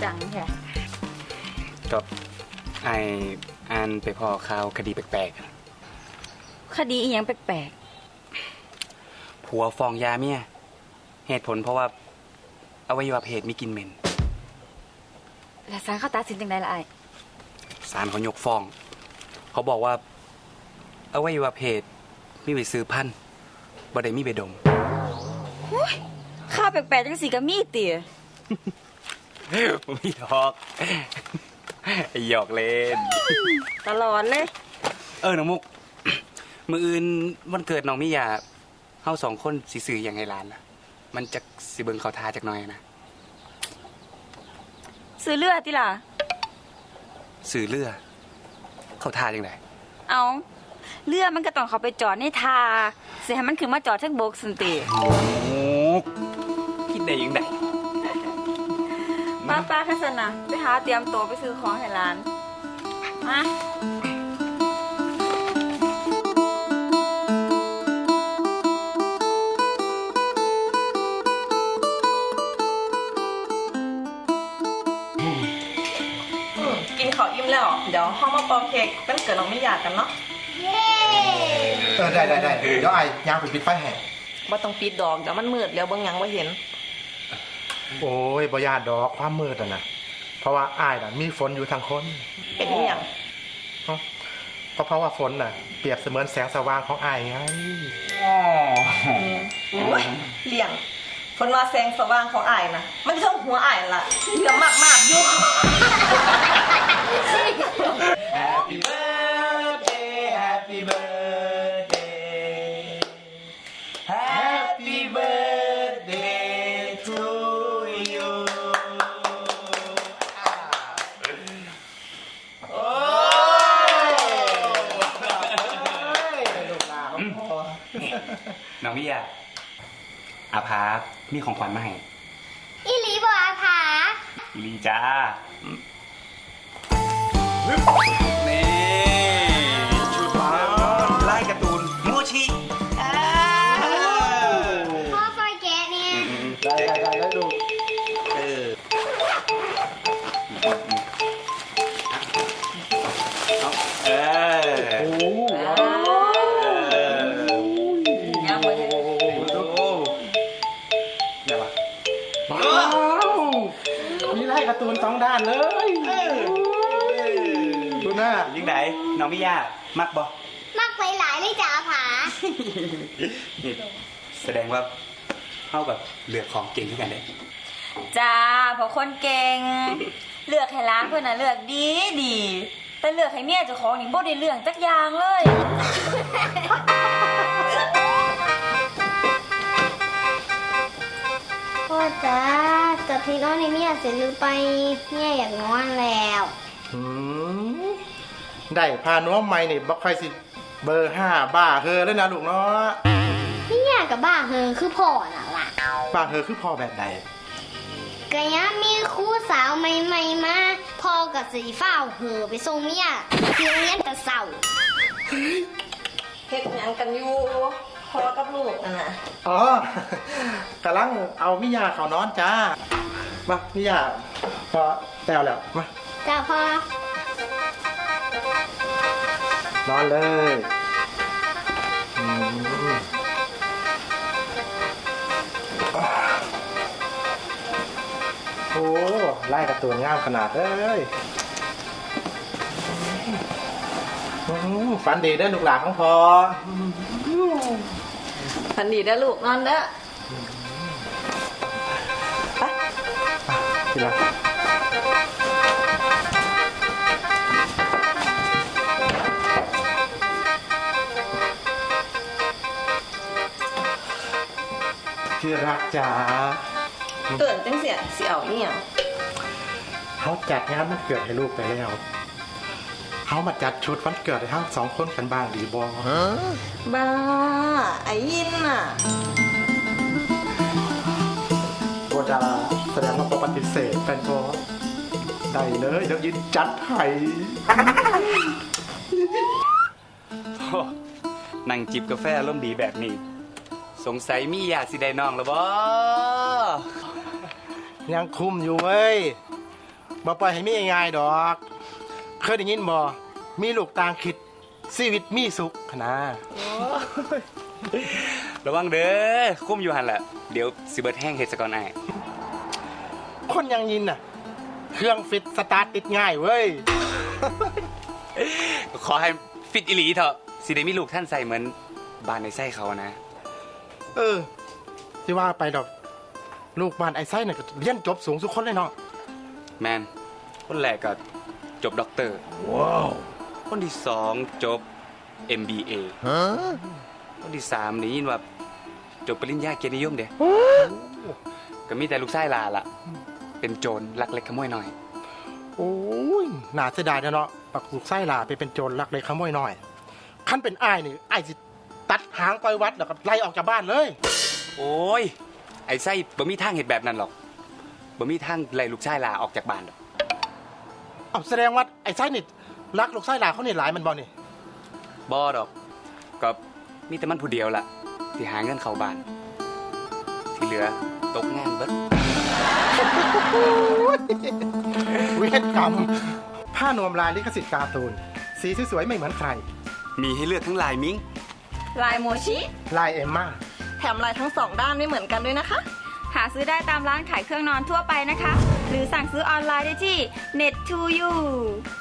จังแท้ก็ไออ่านไปพอข่าวคดีแปลกคดีอีหยังแปลกๆผัวฟ้องยาเมียเหตุผลเพราะว่าอวัยวะเพศมีกลิ่นเหม็นๆแล้วศาลเขาตัดสินจังได๋ล่ะอ้ายศาลเขายกฟ้อง เขาบอกว่าอวัยวะเพศมีไว้ซื้อพันธุ์บ่ได้มีไปดมข่าวแปลกๆจังสิก็มีติบ่มีดอกหยอกเล่นตลอดเลยน้องมุก มื้ออื่นวันเกิดน้องมิยาเฮา2คนสิซื้อหยังให้หลานล่ะมันจักสิเบิ่งเข้าท่าจักหน่อยนะซื้อเรือติล่ะซื้อเรือเข้าท่าจังได๋เอาเรือมันก็ต้องเข้าไปจอดในท่าสิให้มันขึ้นมาจอดเทิงบกซั่นติคิดได้ยังไงป้าคัสนะไปหาเตรียมตัวไปซื้อของให้ร้านมากินข้าวอิ่มแล้วเดี๋ยวห้องมาเป่าเค้กเป็นเกิดน้องไม่อยากกันเนาะได้เดี๋ยวไอ้ย่างไปปิดไฟให้บ่ต้องปิดดอกเดี๋ยวมันมืดแล้วเบิ่งหยังบ่เห็นโอ้ยบ่ญาติดอกความมืดอ่ะนะเพราะว่าอ้ายน่ะมีฝนอยู่ทางคนเป็นอีหยังเพราะว่าฝนน่ะเปรียบเสมือนแสงสว่างของอ้ายไงเลี่ยงคนว่าแสงสว่างของอ้ายนะมันเท่าหัวอ้ายล่ะเหลือมากๆอยู่ Happy birthday Happy birthday Happy birthday to you โอ้น้องมิยาอาภามีของขวัญมาให้อีหลีบ่อาภาอีลีจ้านี่ชุดไล่การ์ตูนโมชิพ่อคอยแกะเนี่ยได้ดูโอ้ยังบ่ได้ว้าวมีไล่การ์ตูน2ด้านเลยดูหน้ายังไงน้องมิยามักบ่มักไปหลายเลยจ้าอาภานี่แสดงว่าเข้ากับเลือกของเก่งขึ้นกันเลยจ้าเพราะคนเก่งเลือกให้ร้านเพิ่นน่ะเลือกดีแต่เลือกให้เมียเจ้าของนี่บ่ได้เรื่องจักอย่างเลยพ่อจ้าจะที่นอนในเมียเสร็จหรือไปเมียอยากนอนแล้วได้พาน้องใหม่นี่บ่ค่อยสิเบอร์5บ้าเฮอแล้วนะลูกเนาะเมียกับบ้าเฮอคือพ่อน่ะล่ะบ้าเฮอคือพ่อแบบใดก็ยังมีครูสาวใหม่ๆมาพ่อกับสีฟ้าเฮอไปส่งเมียที่โรงเรียนแต่เช้าเฮ็ดหยังกันอยู่พ่อกับลูกนั่นน่ะกำลังเอามิยาเขานอนจ้ามามิยาพอแต้วแล้วมาจ้าพ่อนอนเลยโอ้ไล่การ์ตูนงามขนาดเลยฝันดีได้ลูกหลานของพอฝันดีได้ลูกนอนเด้อไปทีละที่รักจ๋าเกิดจังเสียสิเอาอีหยังเขาจัดงานวันเกิดให้ลูกไปแล้วเขามาจัดชุดวันเกิดให้ทั้ง2คนกันบ้างดีบ่บ้าไอ้ยินน่ะก็จะแสดงว่าปฏิเสธกันก็ได้เลยเดี๋ยวยินจัดให้นั่งจิบกาแฟร่มดีแบบนี้สงสัยมีอยากสิได้น้องแล้วบ่ยังคุมอยู่เว้ยบ่ปล่อยให้มีง่ายๆดอก เคยได้ยินบ่มีลูกต่างคิดชีวิตมีสุขนะระวังเด้อคุ้มอยู่หันแหละเดี๋ยวสิเบิดแห้งเฮ็ดซะก่อนอ้ายคนอยังยินน่ะ เครื่องฟิตสตาร์ทติดง่ายเว้ยขอให้ฟิตอีหลีเถอะสิได้มีลูกท่านใส่เหมือนบ้านในไส้เขานะเออที่ว่าไปดอก ลูกบ้านไอ้ไส้น่ะก็เรียนจบสูงสุดคนเลยเนาะแมนคนแรกก็จบด็อกเตอร์ว้าวคนที่สองจบ MBA คนที่สามนี่ยินว่าจบปริญญาเกียรตินิยมเด้ก็มีแต่ลูกชายลาล่ะ เป็นโจรลักเล็กขโมยน้อยโอ้ยน่าเสียดายนะเนาะปักลูกไส้ลาไปเป็นโจรลักเล็กขโมยน้อยขั้นเป็นอ้ายนี่อ้ายสิตัดหางปล่อยวัดแล้วก็ไล่ออกจากบ้านเลยโอ้ยไอ้ไส้บ่มีทางเห็ดแบบนั้นหรอกบ่มีทางไล่ลูกชายลาออกจากบ้านหรอกเอาแสดงว่าไอ้ไส้นี่รักลูกไส้ลาเขานี่หลายมันบ่นี่บ่ดอกก็มีแต่มันผู้เดียวล่ะที่หาเงินเข้าบ้าน ที่เหลือตกงานเบิดเวทกรรมผ้านวมลายลิขสิทธิ์การ์ตูนสีสวยๆไม่เหมือนใครมีให้เลือกทั้งลายมิ้งลายโมชิลายเอมม่าแถมลายทั้งสองด้านไม่เหมือนกันด้วยนะคะหาซื้อได้ตามร้านขายเครื่องนอนทั่วไปนะคะ หรือสั่งซื้อออนไลน์ได้ที่ Net2U